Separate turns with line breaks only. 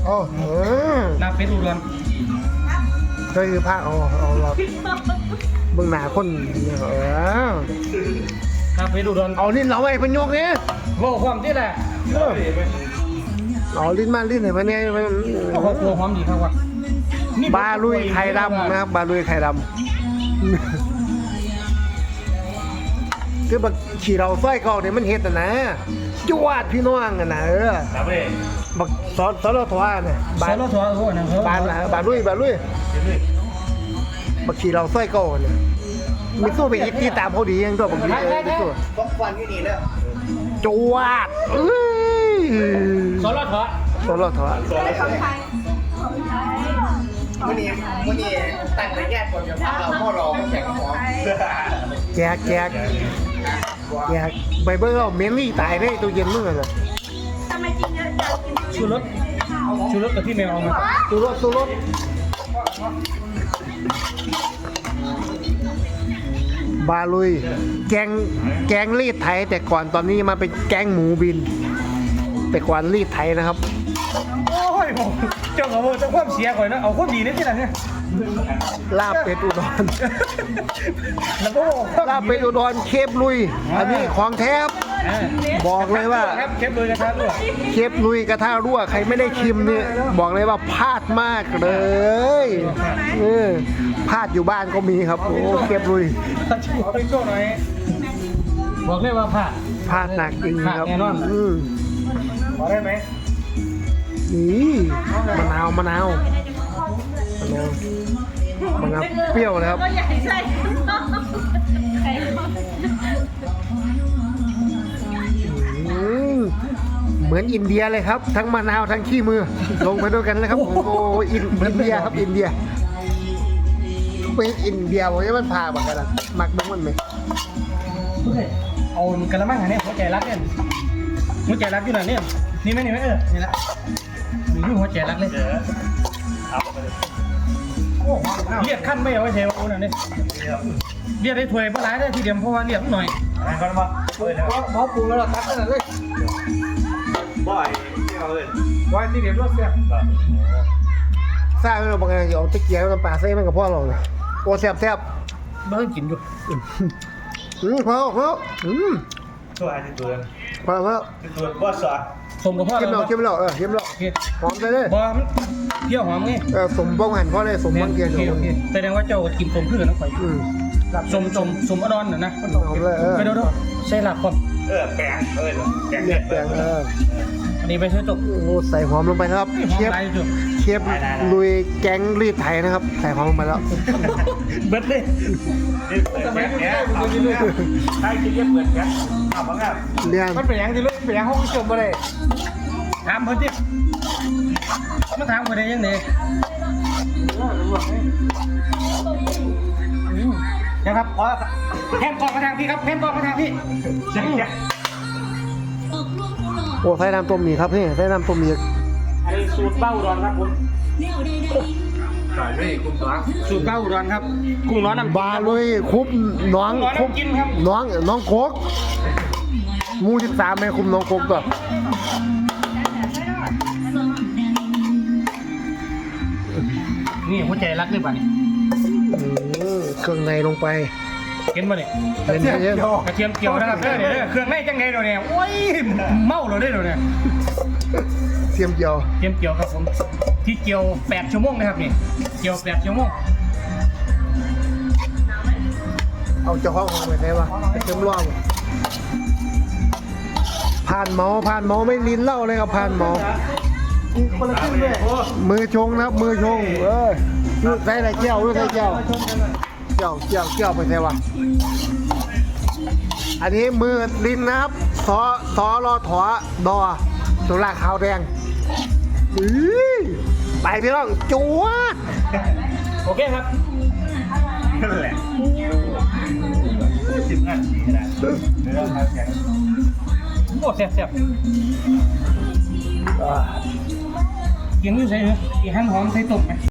โอ้
ลาบเป็ดอุดร
เคยคือภาคเอาเราเบื้องหน้าคน
ลาบเป็ดอุดร
เอาลิ้นเราไว้เป็นยกเนี่ย
โว้ความที่แหละ
เอาลิ้นมาลิ้นไหนมาเนี่ย
โอ้โหหอมดีครับว่ะ
บาลุยไข่ดำนะครับบาลุยไข่ดำคือบักขี่เราสร้อยเก่าเนี่ยมันเห็ดนะจวดพี่น้องกันนะบักสอนเราถวาเนี่ย
สอนเราถวาโอ้โหนะ
บาลุยบักขี่เราสร้อยเก่าเนี่ยมีสู้ไปอีกที่ตามเขาดียังตัวบักขี่มีสู้
ต้องฟันอยู่นี่แล้ว
จวด
สอนเราถวา
วันนี้ตั้งแต่แยกคนจะพาเราพ่อรอแข่งของ
แจกไปเบิ้งเอาเมลี่ตายได้ตัวเย็นมึงเลย
ชูรสกับที่แมวเอามา
สู้รถบาลุยแกงรีดไทยแต่ก่อนตอนนี้มาเป็นแกงหมูบินแต่ก่อนรีดไทยนะครับ
โอ้ยเจ้าของเจ้าความเสียก่อนนะเอาคนดีนี่ที่ไหนเนี่ย
ลาบเป็ดอุดรแล้วก็ลาบเป็ดอุดรเคฟลุยอันนี้ของแท้บอกเลยว่า
เคฟลุยกระทะรั่ว
ใครไม่ได้ชิมเนี่ยบอกเลยว่าพลาดมากเลยพลาดอยู่บ้านก็มีครับโอ้เคฟลุย
เอาไปโจ้หน่อยบอกเลยว่า
พลาดหนักจริงครับ
แน่นอนบอกได้ไหม
นี่มะนาวเปรี้ยวเลยครับเหมือนอินเดียเลยครับทั้งมะนาวทั้งขี้มือลงไปด้วยกันเลยครับโอ้อินเดียครับอินเดียเป็นอินเดียผมจะมันพาบักกันมักบ้างมันไหม
เอากระมังอันนี้หัวใจรักเนี่ยหัวใจรักอยู่ไหนเนี่ยนี่ไหมนี่ละมีหัวใจรักเลยเรียกขั้นไม่เอาไว้เทวะนั่นนี่เรียกได้ถวยปลาไหลได้ทีเดียวเพราะว่าเรียกหน่อย
ก่อนมา
หมอปรุงแล้วเราตักกันเลย
บ่อยที่เราเลย
ว่าทีเดียวรสเสีย
ทราบไหมเราบอกไงเอาตะเกียบน้ำปลาใส่มันกับพ่อเราเลยโอ้แซ่บ
เบิ้งกินอยู่
พอ
ตัวอะไรตัวบ่สอด
สมกับพ่อ
เค็มเราหอมเลย
บอมเที่ยวหอมไง
สมบ้องหันพ่อเลยสมบ้องเกียร์
แสดงว่าเจ้ากินสมพืชนะข่อยสมอดอนนะไปดูใช่หลักก่อน
แปง
อันนี้ไปใช้จบ
โอ้ใส่หอมลงไปครับเชฟลุยแก๊งรีดไทยนะครับใส่หอมลงไปแล้ว
เบิดเลย
ทำไมเนี่ยใช่กินเยอะเปิดแก๊สเอาบ้างอ่ะ
เรียน
มันเป็นยังที่เป็นยังห้องจบมาเลยถามเพิ่นดิมาถามเพิ่นได้ยังไงนะครับแฮมกองมาทางพี่ครับแฮมกองมาทางพี่
โอ้ใส่น้ำต้มมีครับพี่ใส่น้ำต้มมี
อันนี้สูตรเบ้าอุดรครับผม
ใส่ไม่กุ้งร้อน
สูตรเบ้าอุดรครับกุ้งร้อนน้ำ
บาลุยคุบน้อง
กินครับ
น้องโคกมู13ไม่คุมน้องโคกตัว
นี่หัวใจรักเลยป่ะนี่
เครื่องในลงไป
เห็นป่ะเนี่ยกระเทียมเกี่ยวนะครับเครื่องในจังไงเราเนี่ยโอ้ยเมาเราได้เราเนี่ย
เทียมเกี่
ยวครับผมที่เกี่ยว8 ชั่วโมงนะครับนี่เกี่ยว8 ชั่วโมง
เอาเจ้าห้องไปไหนวะเทียมร่องผ่านหมอไม่ลิ้นเล่าเลยครับผ่านหมอคนละครึ่งเลยมือชงนะครับมือชงใส่อะไรเจ้าใส่เจ้าไปใส่วะอันนี้มือลิ้นนะครับสอรอถอดอตัวลากขาวแดงไปพี่น้องจั๊ว
โอเคครับ
นั่นแหละ10 นาทีนะ
โอ้แซ่บกินด้วยใช่ไหมอีหั่นหอมใส่ตุ่มไหม